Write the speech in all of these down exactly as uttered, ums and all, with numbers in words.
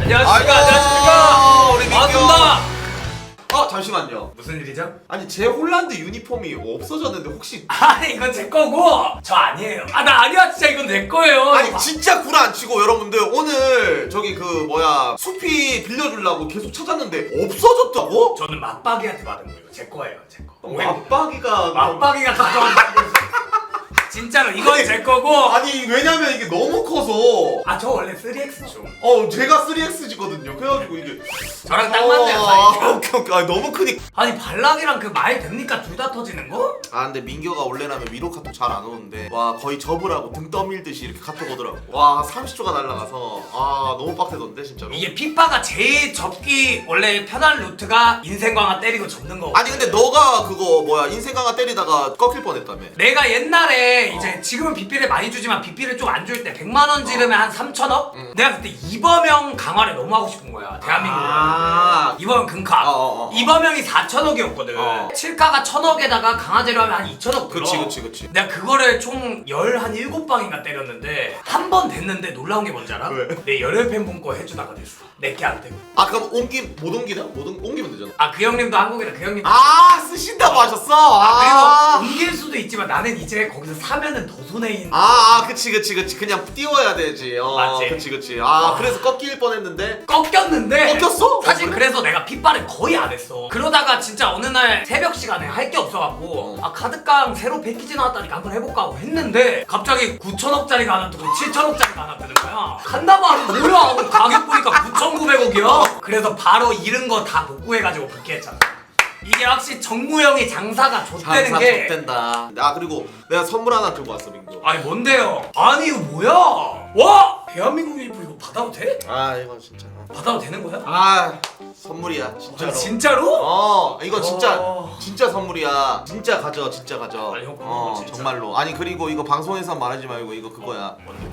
안녕하십니까. 안녕하십니까. 우리 민규. 반갑습니다. 어 잠시만요. 무슨 일이죠? 아니 제 홀란드 유니폼이 없어졌는데 혹시 아니 이건 제 거고 저 아니에요. 아 나 아니야 진짜 이건 내 거예요. 아니 진짜 구라 안 치고 여러분들 오늘 저기 그 뭐야 수피 빌려주려고 계속 찾았는데 없어졌다고? 저는 맞박이한테 받은 거예요. 제 거예요. 제 거. 맞박이가 맞박이가 가져온 거예요. 진짜로 이건 제 거고. 아니 왜냐면 이게 너무 커서 아 저 원래 쓰리 엑스 죠. 어 제가 쓰리 엑스지거든요. 그래가지고 이게 저랑 딱 맞네요. 아, 사이즈가. 오케이 오케이. 아, 너무 크니. 아니 발락이랑 그 말 됩니까? 둘 다 터지는 거? 아 근데 민규가 원래라면 위로 카톡 잘 안 오는데 와 거의 접으라고 등 떠밀듯이 이렇게 카톡 오더라고. 와 삼십 초가 날라가서 아 너무 빡세던데 진짜로. 이게 피파가 제일 접기 원래 편한 루트가 인생 강화 때리고 접는 거. 아니 근데 너가 그거 뭐야 인생 강화 때리다가 꺾일 뻔했다며. 내가 옛날에 이제 지금은 빚비를 많이 주지만 빚비를 좀 안 줄 때 백만 원 지르면 한 삼천억? 응. 내가 그때 이범영 강화를 너무 하고 싶은 거야 대한민국으로. 아. 이범영 금카. 어, 어, 어. 이범영이 사천억이었거든. 어. 칠카가 천억에다가 강화제로 하면 한 이천억 들어. 그치 그치 그치. 내가 그거를 총 열한 일곱 방인가 때렸는데 한 번 됐는데 놀라운 게 뭔지 알아? 왜? 내 열혈 팬분 거 해주다가 됐어. 내게 안 되고. 아 그럼 옮기 못 옮기나? 못 옮, 옮기면 되잖아. 아 그 형님도 한국이라 그 형님. 아 쓰신다고 하셨어? 아, 그리고 아, 옮길 수도 있지만 나는 이제 거기서 사면은 더 손해인. 아, 아 그치 그치 그치 그냥 띄워야 되지. 어 맞지? 그치 그치. 아 와. 그래서 꺾일 뻔했는데. 꺾였는데 꺾였어? 사실 어, 그래? 그래서 내가 핏발을 거의 안 했어. 그러다가 진짜 어느 날 새벽 시간에 할 게 없어갖고 어. 아 카드깡 새로 패키지 나왔다니까 한번 해볼까 하고 했는데 갑자기 구천억짜리가 하나 뜨고 칠천억짜리가 하나 뜨는 거야. 간다고 하면 뭐야 하고 가격 보니까 구천구백억이야. 그래서 바로 잃은 거 다 복구해가지고 복귀했잖아. 이게 확실히 정무형이 장사가 좆되는 장사 게. 된다. 아 그리고 내가 선물 하나 들고 왔어 민규. 아니 뭔데요? 아니 이거 뭐야? 와! 대한민국 일부 이거 받아도 돼? 아 이거 진짜. 받아도 되는 거야? 아 선물이야 진짜로. 아, 진짜로? 어 이거 진짜 어. 진짜 선물이야. 진짜 가져 진짜 가져. 아니, 형, 어 진짜. 정말로. 아니 그리고 이거 방송에서 말하지 말고 이거 그거야. 뭔데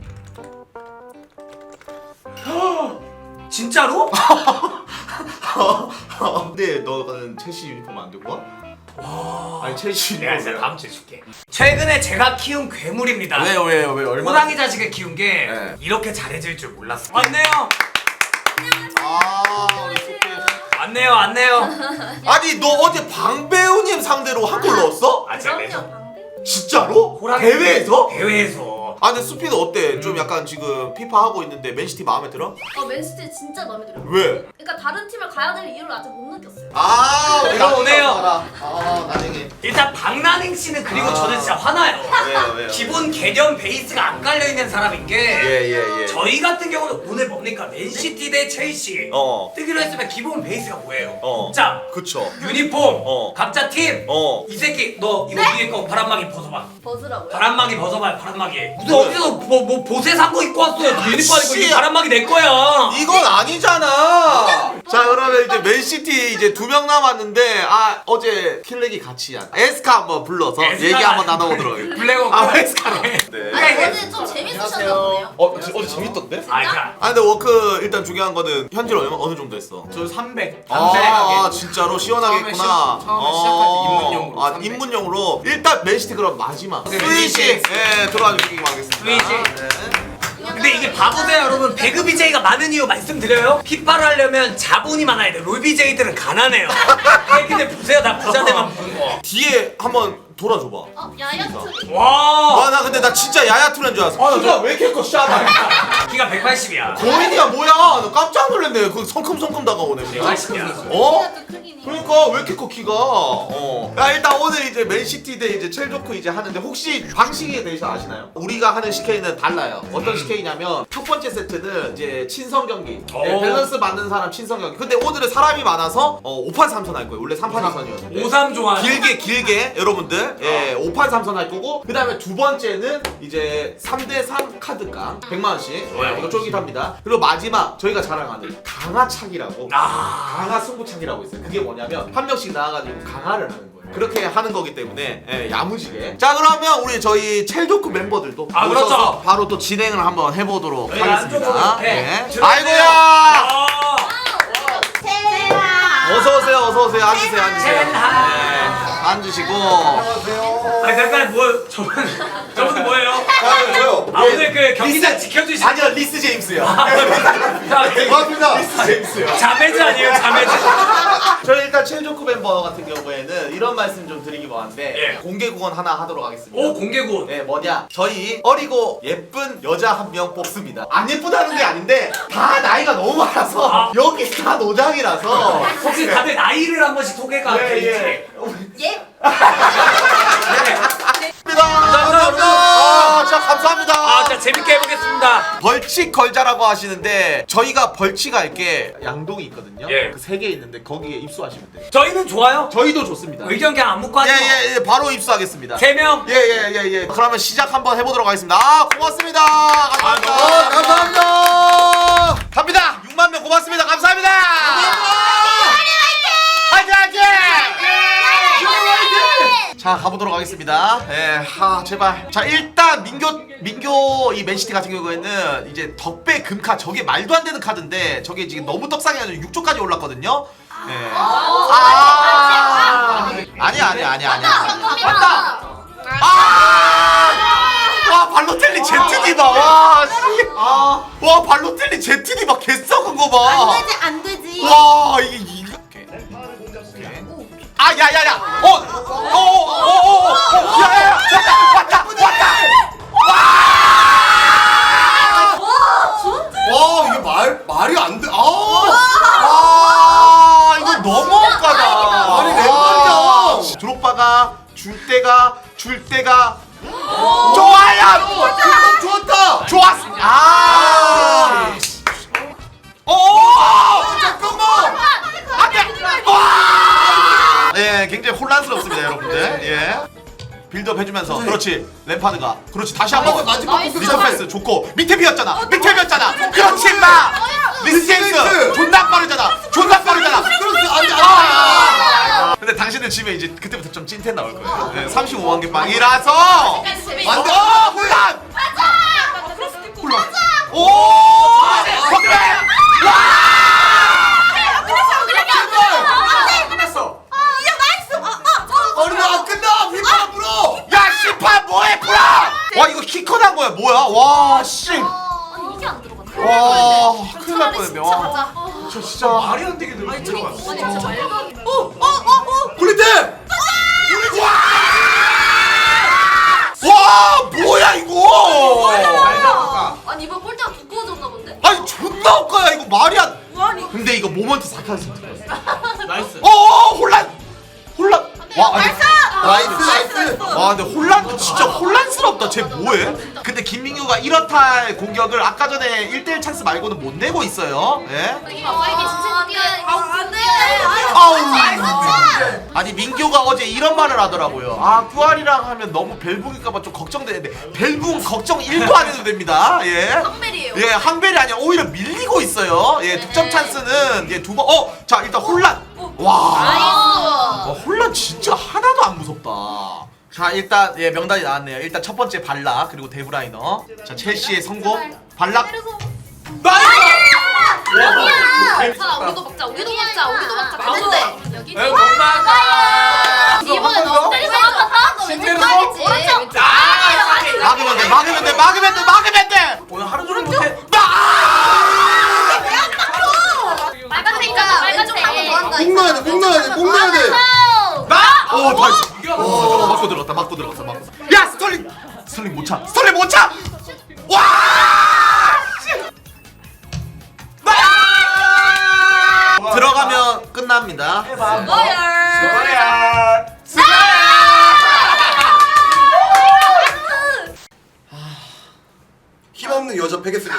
뭔데? 진짜로? 근데 너는 첼시 유니폼 안 들고 와? 와. 아니 첼시 내가 유니폼. 진짜 다음 주에 줄게. 최근에 제가 키운 괴물입니다. 왜요 왜요 왜 얼마나? 호랑이 자식을 키운 게 네. 이렇게 잘해질 줄 몰랐어. 왔네요. 아 우리 소피. 왔네요. 왔네요. 아니 너 어제 방배우님 상대로 한 골 넣었어? 아 진짜 그럼요, 내줘. 방금. 진짜로? 호랑이 대회에서? 대회에서. 아 근데 수피는 어때? 음. 좀 약간 지금 피파 하고 있는데 맨시티 마음에 들어? 어 맨시티 진짜 마음에 들어요. 왜? 그러니까 다른 팀을 가야 될 이유를 아직 못 느꼈어요. 아 내가 오네요. 아 나중에 일단 박나닝 씨는 그리고 아. 저는 진짜 화나요. 왜요 왜요? 기본 개념 베이스가 안 깔려 있는 사람인 게 예예 예. 저희 같은 경우는 오늘 뭡니까? 맨시티 대 첼시 어. 뜨기로 했으면 기본 베이스가 뭐예요? 어. 자 그쵸. 유니폼 어. 각자 팀. 어. 이 새끼 너 이거 위에 거 바람막이 벗어봐. 버즈라고요? 바람막이 벗어봐요. 바람막이. 무슨 그래. 어디서 뭐, 뭐 보세 산 거 입고 왔어요. 유니폼 입고 씨. 이 바람막이 내 거야. 이건 아니잖아. 자 그러면 이제 맨시티 이제 두 명 남았는데 아 어제 킬렉이 같이 한 에스카 한번 불러서 에스카가 얘기 한번 나눠보도록 하겠습니다. 블랙워크. 아 에스카로. 네. 아니 이게- 어제 좀 재밌으셨나 보네요. 어 어제 어제 재밌던데? 아, 그니까. 아 근데 워크 일단 중요한 거는 현질 얼마 어느 정도 했어? 저 삼백. 아 진짜로 시원하게 처음에 했구나. 시- 처음에 시작할 때 입문용으로 아 삼백. 입문용으로 일단 맨시티 그럼 마지막 네, 스위시 스위시. 예 들어와 주시기 바라겠습니다. 스위시. 네. 근데 이게 바보세요 여러분. 배그 비제이가 많은 이유 말씀드려요. 피파를 하려면 자본이 많아야 돼. 롤 비제이들은 가난해요. 아니, 근데 보세요 나 부자들만 보는 거. 뒤에 한번 돌아줘봐. 어 야야트. 와. 와 나 근데 나 진짜 야야투란 줄 알았어. 키가 왜 이렇게 커 샤다. 키가 백팔십이야. 거인이야 뭐야? 나 깜짝 놀랐네. 그 성큼성큼 다가오네. 그냥. 백팔십이야. 어? 또 크긴 해. 그러니까 왜 이렇게 커 키가? 어. 야 일단 오늘 이제 맨시티 대 이제 첼조크 이제 하는데 혹시 방식에 대해서 아시나요? 우리가 하는 씨케이는 달라요. 어떤 씨케이냐면 첫 번째 세트는 이제 친선 경기. 네, 오. 밸런스 맞는 사람 친선 경기. 근데 오늘은 사람이 많아서 어, 오 판 삼 선 할 거예요. 원래 삼 판 이 선이었는데. 오삼 좋아요. 길게 길게 여러분들 예, 오 판 삼 선 할 거고 그 다음에 두 번째는 이제 삼 대 삼 카드깡 백만 원씩 좋아요. 예, 이거 쫄깃합니다. 그리고 마지막 저희가 자랑하는 강화차기라고 아. 강화 승부차기라고 있어요. 그게 뭐냐면 한 명씩 나와가지고 강화를 하는 거예요. 그렇게 하는 거기 때문에 예, 야무지게. 자 그러면 우리 저희 첼조크 멤버들도 아, 모셔서 그렇죠. 바로 또 진행을 한번 해보도록 저희 하겠습니다. 안쪽으로 이렇게 예. 들어오세요. 아이고야. 아. 세라. 어서 오세요. 어서 오세요. 앉으세요. 앉으세요. 셀라. 네, 앉으시고. 아니 잠깐 뭐 저분 저분 뭐예요? 아, 저요. 아 오늘 그 경기장 지켜주신 아니요 리스 제임스요. 자, 고맙습니다. 자매즈 아니에요 자매즈. 저희 일단 최조크 멤버 같은 경우에는 이런 말씀 좀 드리기 뭐한데 예. 공개 구원 하나 하도록 하겠습니다. 오 공개군. 네 뭐냐 저희 어리고 예쁜 여자 한 명 뽑습니다. 안 예쁘다는 게 아닌데 다 나이가 너무 많아서 아. 여기 다 노장이라서 혹시 다들 나이를 한 번씩 소개가 예, 되지? 예. 예? 감사합니다. 아, 자 감사합니다. 아, 자 재밌게 해보겠습니다. 벌칙 걸자라고 하시는데 저희가 벌칙 할게 양동이 있거든요. 예. 그 세 개 있는데 거기에 입수하시면 돼요. 저희는 좋아요. 저희도 좋습니다. 의견 그냥 안 묻고 하죠. 예예예 바로 입수하겠습니다. 세 명. 예예예 예, 예. 그러면 시작 한번 해보도록 하겠습니다. 아 고맙습니다. 감사합니다. 아, 감사합니다. 갑니다. 육만 명 고맙습니다. 감사합니다. 화이팅 화이팅! 자 가보도록 하겠습니다. 예, 하 제발. 자 일단 민교 민교 이 맨시티 같은 경우에는 이제 덕배 금카 저게 말도 안 되는 카드인데 저게 지금 너무 떡상해가지고 육 조까지 올랐거든요. 예. 아 아니야 아니야 아니야 아니야. 맞다. 아! 와 발로텔리 제트디바 와 씨. 아. 와 발로텔리 제트디바 개 썩은 거 봐. 안 되지 안 되지. 와 이게 이. 아 야야야. 어. 어어어어. 야야야. 왔다 왔다 왔다. 와 진짜. 와 이게 말 말이 안 돼. 아. 아 이거 너무 억까다. 아니, 왼발이야. 드록바가 줄 때가 줄 때가 좋아요. 좋았다. 좋았어. 아. 오. 잠깐만. 안돼. 와. 예, 굉장히 혼란스럽습니다, 여러분들. 예. 빌드업 해주면서 그렇지 램파드가 그렇지 다시 한번 마지막 나이스. 리터 패스 좋고 밑에 비었잖아 밑에 비었잖아 그렇지 임마 리스텐스 존나 빠르잖아 존나 빠르잖아 그렇지 안돼 아. 근데 당신들 집에 이제 그때부터 좀 찐텐 나올 거예요. 네, 삼십오만 개 빵이라서 재밌어. 안돼 어 혼란 혼란 오 건배 아니 나 끝나 휘파람 불어. 야 심판 뭐해 불어 와 이거 키커난 거야 뭐야 와씨 아니 이게 안 들어가. 와 큰일 날 뻔했네 진짜 와. 가자. 저 진짜 말이 안 되게 들어. 아니 진짜 말도 안 돼. 굴리템. 와 뭐야 이거 아니 이번 꼴대가 두꺼워졌나 본데? 아니 존나 억까야 이거 말이 안 아니. 근데 이거 모먼트 사카스 들었어 나이스. 어어 혼란 혼란 와 아니 나이스 나이스. 와 근데 혼란도 진짜 혼란스럽다 쟤 뭐해 근데 김민규가 이렇다 할 공격을 아까 전에 일 대 일 찬스 말고는 못 내고 있어요 예 이게 진짜 뛰어야 안 돼. 아우 아니 민규가 어제 이런 말을 하더라고요 아 큐알이랑 하면 너무 벨붕일까봐 좀 걱정되는데 벨붕 걱정 일도 안 해도 됩니다 예 한벨이에요. 예, 항벨이 아니라 오히려 밀리고 있어요. 예, 득점 찬스는 예, 두 번. 어, 자, 일단 혼란. 와. 나이스. 와, 혼란 진짜 하나도 안 무섭다. 자, 일단 예, 명단이 나왔네요. 일단 첫 번째 발락 그리고 데브라이너. 자, 첼시의 성공. 발락. 나이스! 여기야. 자 우리도 먹자. 우리도 먹자. 우리도 먹자. 가운데. 여기. 에 엄마가. 이번에 너 때리서 한번 너 왼쪽 가야지. 오른쪽. 막으면 돼, 막으면 돼, 막으면 돼, 막으면 돼. 오늘 하루 종일 못해. 빨간색이야. 빨간색. 목 넣어야 돼, 목 넣어야 돼, 목 넣어야 돼. 나! 오, 나이스. 이게 어, 맞고 들어갔다, 맞고 들어갔어, 맞고. 야, 스털링! 스털링 못 차. 스털링 못 차! 와! 씨! 나! 들어가면 끝납니다. 뭐야? 힘없는 여자 패겠습니다.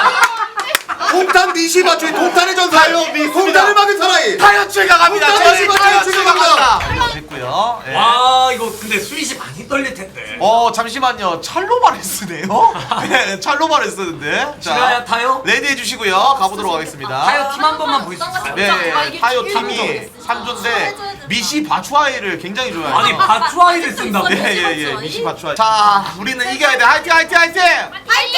동탄 미시 맞추기 동탄의 전사예요. 동탄을 막은 사나이. 타이어츠가 갑니다. 동탄 저희 미시 타이어츠가 맞추기 갑니다. 됐고요. 예. 와 이거 근데 스윗이 많이 떨릴 텐데. 어 잠시만요. 찰로바레스네요. 네, 찰로바레스인데. 시간야 타요? 레디 해주시고요. 가보도록 하겠습니다. 타요 팀 한 번만 보여줄 수 있어요? 네, 타이어 팀이 삼 조인데 미시 바추아이를 굉장히 좋아해요. 아니 바추아이를 쓴다고? 예예예 예, 미시 바추아이. 자 우리는 이겨야 돼. 화이팅 화이팅 화이팅. 파이팅!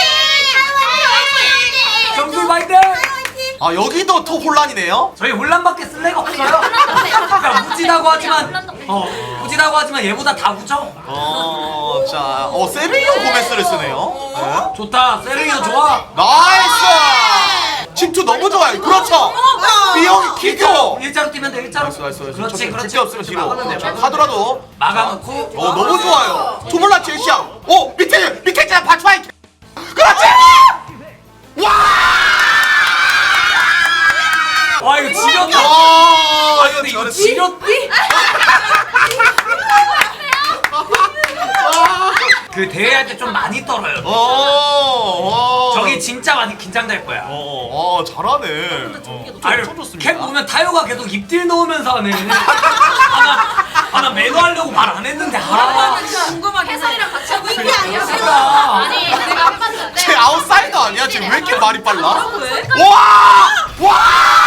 정글 바이든! 아 여기도 톱 혼란이네요. 저희 혼란밖에 쓸 애가 없어요. 그러니까 무지다고 하지만 어 무지다고 하지만 얘보다 다 무져. 어, 자, 어 세르기오 고메스를 쓰네요. 네. 좋다. 세르기오 좋아. 나이스. 침투 너무 좋아. 거야. 그렇죠. B형 기교. 일자로 뛰면 돼 일자로. 나이스 나이스 나이스. 그렇지 그렇지. 집게 없으면 뒤로. 막으면 돼, 막으면 돼. 하더라도. 막아놓고. 어 너무 좋아요. 투몰라 첼시야. 오 밑에 밑에 있잖아 바츠와이. 그렇지. 와. 와 이거 지렸다. 와 아 근데 이거 잘했어. 지렸디? 그 대회할 때 좀 많이 떨어요. 어. 저기 진짜 많이 긴장될 거야. 어, 어 잘하네. 어. 아니, 참 좋습니다. 캠 보면 타요가 계속 입딜 넣으면서 하네. 아나 아나 매너 하려고 말 안 했는데 아. 궁금하게 해설이랑 같이 하고 있는 게 아니었어. 그러니까. 아니 내가 해봤는데. 쟤 아웃사이더 아니야? 지금 왜 이렇게 말이 빨라? 왜? 와! 와!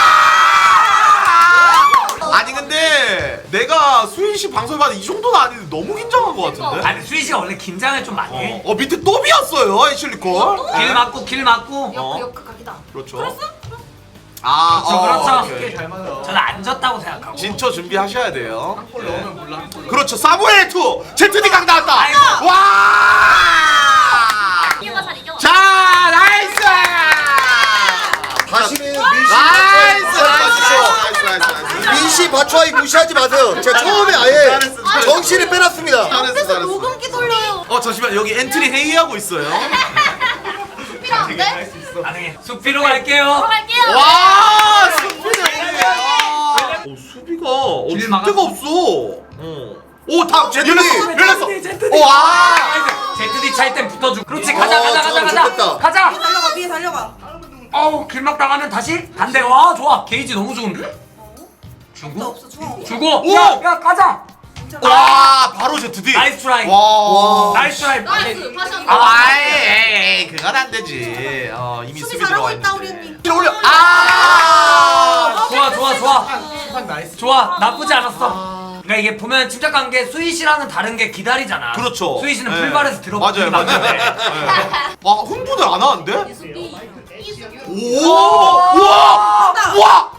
아니 근데 내가 수인 씨 방송 봤는데 이 정도는 아닌데 너무 긴장한 것 같은데? 아니 수희 씨가 원래 긴장을 좀 많이 해. 어, 어 밑에 또 비었어요 애슐리콜. 길 맞고 길 맞고. 어. 역그 각이다. 그렇죠. 아, 그렇죠, 어, 그렇죠. 오케이. 저는 안 졌다고 생각하고. 진짜 준비하셔야 돼요. 네. 그렇죠. 사무엘 투 제트디 강 나왔다. 아이고. 와! 이겨봐 잘 이겨. 자, 나이스! 다시는 민씨 나이스! 바추와이 나이스! 나이스! 민씨 바추와이 무시하지 마세요. 제가 처음에 아예 정신을 빼놨습니다. 잘했어, 잘했어. 녹음기 돌려요. 어, 잠시만. 여기 엔트리 회의하고 있어요. 필요한데? 가능해. 수피로 갈게요. 들어갈게요. 와, 수비는 회의야. 오, 수비가 어, 길 줄 막았- 데가 없어. 어. 오, 다 제트디! 열렸어. 열렸어. 제트디. 와! 제트디 차일 땐 붙어주고. 그렇지 가자 어, 가자 가자 저거 가자. 좋겠다. 가자. 달려가 위에 달려가. 어우 길막 당하면 다시 반대. 와 좋아. 게이지 너무 좋은데? 주고 없어 중앙 없어. 주고. 오! 야, 야 가자. 와, 바로 제트디. 나이스 트라이. 와. 나이스 트라이. 나이스. 다시 한 아, 번. 에이, 에이, 그건 안 되지. 어, 이미 수비 수비 잘하고 들어와 있다, 우리 있는데. 언니. 뒤로 올려. 아! 좋아 좋아 좋아. 좋아 나쁘지 않았어. 그러니까 이게 보면 침착한 게 수희 씨랑은 다른 게 기다리잖아. 그렇죠. 수희 씨는 네. 풀발에서 들어가는 맞아요, 맞아요. 네. 아, 흥분을 안 하는데? 수비. 오! 와! 와!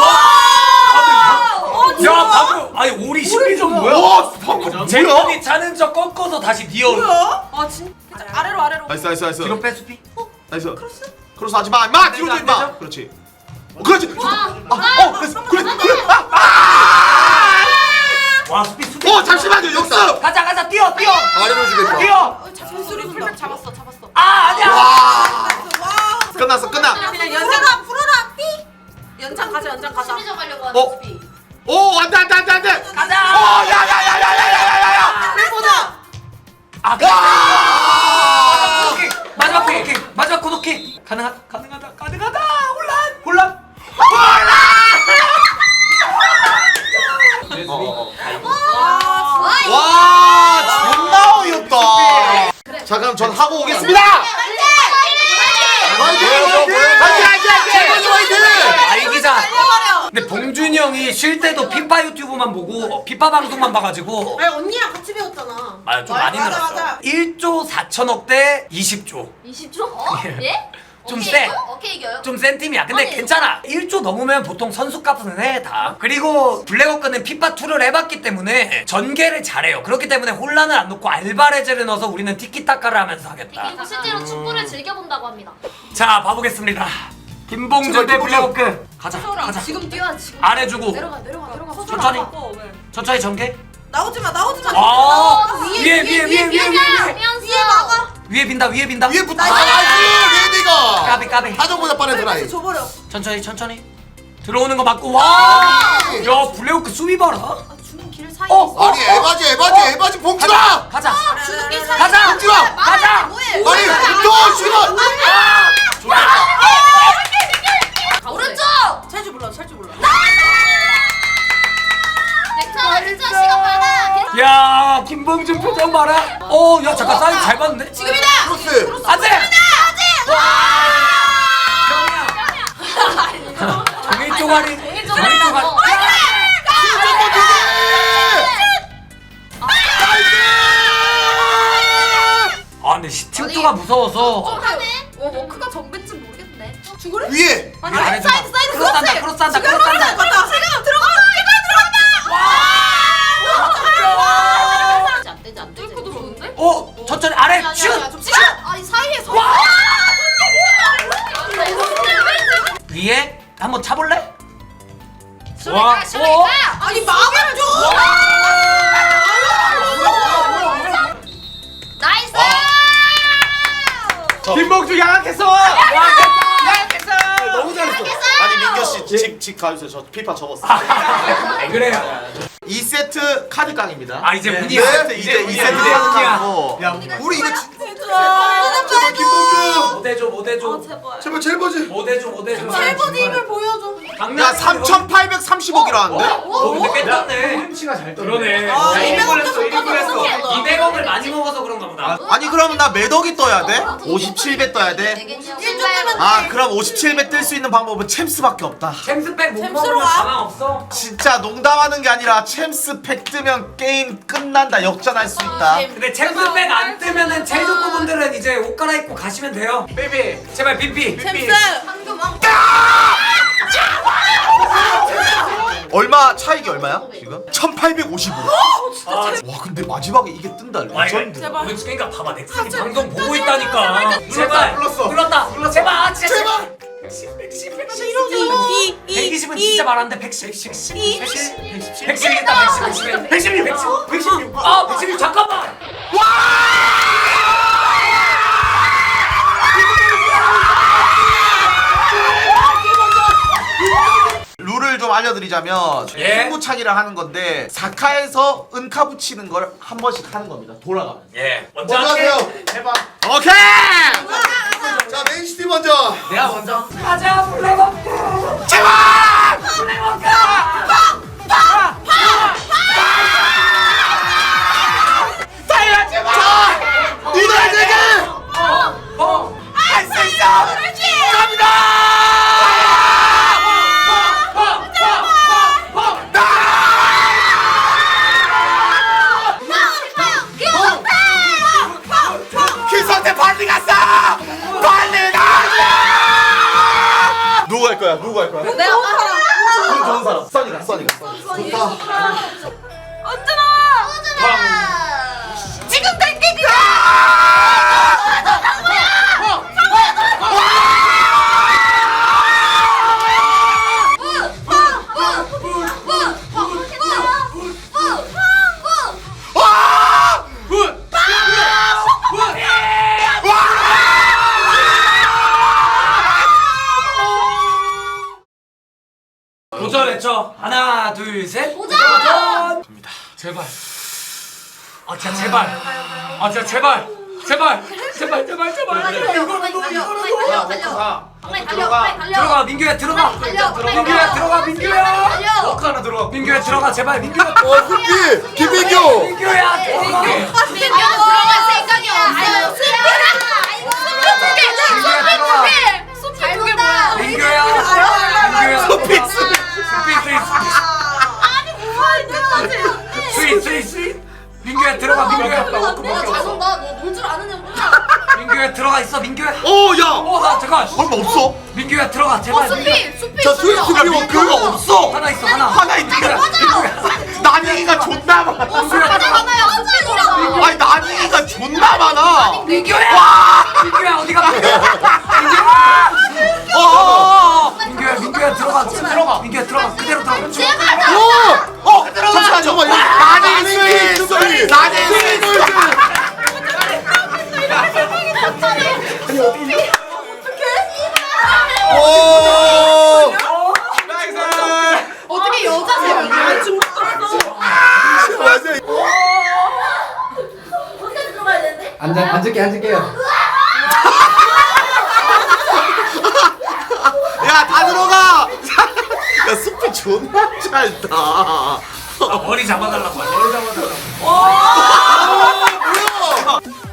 야 방금 아니 오리 십이 점 뭐야? 와, 방금 뭐야? 제트디 차는 척 꺾어서 다시 니어. 뭐야? 아 진짜 아래로 아래로. 나이스, 나이스, 나이스. 뒤로 빼 수비. 나이스. 크로스 하지 마, 임마. 뒤로 좀 안 임마. 되죠? 그렇지. 어, 그렇지. 와. 아, 어, 그래, 그래, 그래. 아! 와 수비 수비. 어, 잠시만요. 역습. 가자 가자 뛰어 뛰어. 아래로 주겠다. 뛰어. 전술이 풀백 잡았어 잡았어. 아 아니야. 와! 와. 끝났어, 끝나. 그냥 연장 풀어라 삐. 연장 가자 연장 가자. 수비 좀 하려고 하는 어? 수비. 오, 안 돼, 안 돼, 안 돼, 안 돼. 가자. 어, 야, 야, 야, 야, 야, 야, 야, 야. 보자. 아 와! 오케이. 마지막 코너킥 마지막 코너킥 가능하 가능하다 가능하다 혼란 혼란. 어, 어, 어. 와. 와, 존나 어이없다. 자, 그럼 전 하고 오겠습니다. 화이팅! 화이팅, 화이팅, 화이팅! 화이팅! 알기자. 달려버려. 근데 봉준이 형이 쉴 때도 피파 유튜브만 보고 피파 방송만 봐가지고 아니 언니랑 같이 배웠잖아. 아, 좀 맞아, 많이 맞아, 늘었어. 맞아. 일조 사천억 대 이십조. 이십 초? 어? 예? 좀 오케이 세. 이겨요? 오케이 이겨요. 좀 센 팀이야. 근데 아니, 괜찮아. 일조 넘으면 보통 선수값은 해 다. 그리고 블랙워크는 피파이를 해봤기 때문에 전개를 잘해요. 그렇기 때문에 혼란을 안 놓고 알바레즈를 넣어서 우리는 티키타카를 하면서 하겠다. 그리고 실제로 축구를 즐겨본다고 합니다. 자 봐보겠습니다. 김봉준 대 블랙워크. 가자 가자. 지금 뛰어 지금. 안 해주고 내려가 내려가 내려가. 천천히. 어, 왜? 천천히 전개. 나오지 마 나오지 마. 아 어, 위에 위에 위에 위에 위에 위에 막아. 위에 빈다 위에 빈다. 위에 붙어. 나이스. 나이스! 레디가! 까비 까비. 하정보다 빠른 드라이. 패스 줘버려. 천천히 천천히. 들어오는 거 맞고 와. 야 블랙워크 수비 봐라. 아, 주는 길 사이에 어, 있어. 아니 에바지 에바지 에바지 봉준아! 가자. 주는 길 사이. 가자. 봉준아! 가자. 뭐해? 아니 또 시간! 오른쪽. 찰줄 몰라 찰줄 몰라. 괜찮아 괜찮아 시간 많아. 괜찮아. 야 김봉준 표정 봐라. 어, 야 잠깐 사이즈 잘 봤는데. 지금이다. 크로스! 안돼. 형이야. 종이 쪼가리. 종이 종이 쪼가리라고. 쪼가리. 한번 두 아 근데 시팅투가 무서워서. 좀 하네. 어 워크가 정배쯤 모르겠네. 죽으래? 개! 위에! 아니 안 아니 해주마. 사이드 사이드 크로스 한다, 크로스 한다, 지금 크로스 한다. 들어간다. 지금 들어가. 안 되지 안 되지. 뚫고 들어오는데? 어 천천히 아래 슛. 좀 시간. 아니 사이에서. 위에 한번 차볼래? 슈레가 슈레가. 아니 마음을 줘. 나이스. 김봉주 양악했어. 너무 잘했어. 아니 민규 씨직직 가주세요. 저 피파 접었어. 왜 그래요? 이 세트 카드 깡입니다. 아 이제 네. 운이야. 세트 이제 이 세트 운이야. 카드 깡이고. 야 우리 이거 진- 제발 김봉주. 못 해줘 못 해줘 제발. 제발 제일 버지. 못 해줘 못 해줘. 셀버드 힘을 보여줘. 야 삼천팔백삼십억이라는데? 어 근데 깼다네. 햄치가 잘 떠. 그러네. 아, 야, 이백 원 걸렸어, 좀 걸렸어. 깎아서 이백억을 많이 먹어서 그런가 보다. 아니 그러면 나 몇 억이 떠야 돼? 오십칠 배 떠야 돼? 아 그럼 오십칠 배 뜰 수 있는 방법은 챔스밖에 없다. 챔스백 못 챔스로 먹으면 와? 가망 없어. 진짜 농담하는 게 아니라 챔스 팩 뜨면 게임 끝난다. 역전할 수 있다. 근데 챔스백 안 뜨면은 체육부분들은 이제 옷 갈아입고 가시면 돼요. 베이비. 제발 삐삐. 챔스. 얼마 차익이 얼마야 지금? 천팔백오십오. 아, 와 근데 마지막에 이게 뜬다. 와, 이거 레전드. 제발. 우리 그러니까 봐봐 넥슨이 방송 보고 있다니까. 눌렀다, 제발 눌렀어. 눌렀다. 제발 아, 진짜 제발. 백십 백십 백십 이, 이, 백이십은 이, 진짜 말하는데 백십 백십 이. 백십 백십이겠다 백십 백십 백십일 백십 백십육 아 백십육 잠깐만. 룰을 좀 알려드리자면 예. 승부차기를 하는 건데 사카에서 은카 붙이는 걸 한 번씩 하는 겁니다. 돌아가면. 예 먼저 먼저 할게. 하세요. 해봐. 오케이. 자 맨시티 먼저. 내가 먼저 가자 플레이버크 제발. 플레이버크 이날 되게. 할 수 있어 갑니다 키스한테 빨리 갔어. 빨리 가. 누구 갈 거야? 누구 갈 거야? 내가 사람. 운 좋은 사람. 써니가 써니가. 언제나. 지금 당기기야. 도전 외쳐 하나 둘셋 도전! 갑니다 제발 아 진짜 제발 아 진짜 제발 제발 제발 제발 제발 달려 달려 달려 달려. 빨리 달려 빨리 달려. 들어가 민규야 들어가 달려, 빨리 민규야 달려. 들어가 민규야 달려. 워크 하나 들어가 민규야 들어가 제발 민규야 어 후피 김민규. 민규야 들어가 민규 들어갈 생각이 없어요. 민규야 들어가 민규야 민규야 소피 스윗 스윗 스윗 스윗 스윗 민규야 들어가 민규야 너놀줄 아는 애구나. 민규야 들어가 있어 민규야 오 야. 어나 잠깐 얼마 없어? 민규야 들어가 제발 민규야. 수피 수피. 자 스윗 수비 워크. 민규가 없어. 하나 있어 하나 하나 있는데. 난이가 존나 많아. 맞아요. 아니 난이가 존나 많아. 민규야 민규야 어디가 민규야 어. 민규야 민규야 들어가 들어가 민규야 들어가 그대로 들어가 제발. 어. 어. 잠시만 잠깐만. 나는 스윗 스윗. 나는 스윗 스윗. 오. 어떻게 여자세요? 아, 좀 맞아. 언제 들어가야 되는데? 앉아, 앉을게, 앉을게요. 야 다 들어가. 야 스피 존나 짧다. 아, 머리 잡아달라고 머리 잡아달라고 뭐야?